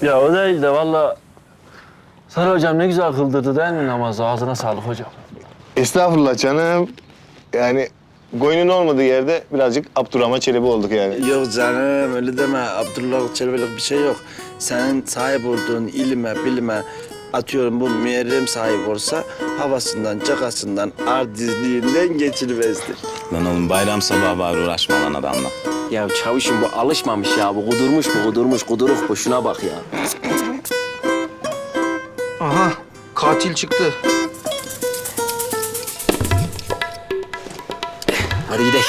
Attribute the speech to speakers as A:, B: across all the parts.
A: Ya o değil de valla Sarı hocam ne güzel kıldırdı değil mi namazı? Ağzına sağlık hocam.
B: Estağfurullah canım. Yani koyunun olmadığı yerde birazcık Abdurrahman Çelebi olduk yani.
C: Yok canım öyle deme. Abdullah Çelebi'lik bir şey yok. Senin sahip olduğun ilime, bilime atıyorum bu Muharrem sahip olsa havasından, cakasından, ardizliğinden geçirmezdir.
D: Lan oğlum bayram sabahı var uğraşma lan adamla.
E: Ya çavuşum bu alışmamış ya. Bu kudurmuş, kuduruk bu. Şuna bak ya.
F: Aha, katil çıktı.
E: Hadi gidelim.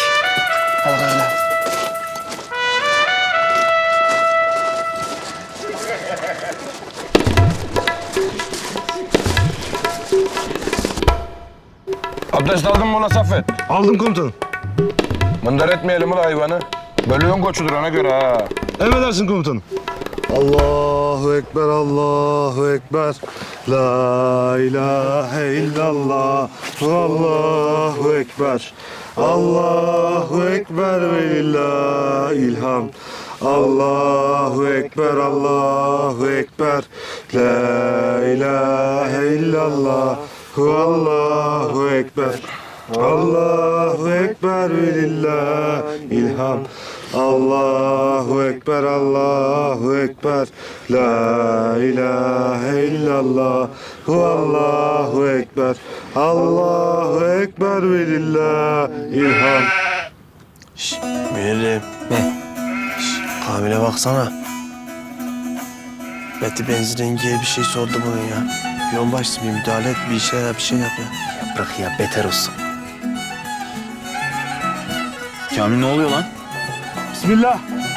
G: Abdest aldın mı ulan Saffet?
B: Aldım komutanım.
G: Mındar etmeyelim ulan hayvanı. Bölüğün koçudur ona göre ha.
B: Emredersin komutanım. Allahu Ekber, Allahu Ekber. La ilahe illallah. Allahu Ekber. Allahu Ekber ve lillahil hamd. Allahu Ekber, Allahu Ekber. La ilahe illallah. Allahu Ekber. Allahu Ekber ve lillahil hamd. Allahu Ekber, Allahu Ekber. La ilahe illallah. Allahu Ekber. Allahu Ekber ve lillahil hamd.
C: Muharrem. Ne? Kamil'e baksana. Beti benzin rengiye bir şey sordu bunun ya. Yonbaşsı bir müdahale et, bir şey yap ya.
E: Ya bırak ya beter olsun.
D: Kamil ne oluyor lan?
B: Bismillah.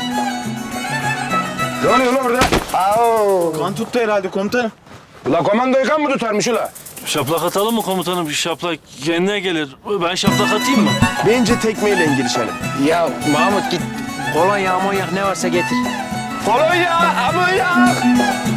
G: Ne oluyor lan orada?
C: Kan tuttu herhalde komutanım.
G: Ulan komandoyu kan mı tutarmış ulan?
A: Şaplak atalım mı komutanım? Şaplak kendine gelir. Ben şaplak atayım mı?
C: Bence tekmeyle girişelim.
E: Ya Mahmut git. Kolonya, amonyak ne varsa getir.
G: Kolonya, amonya.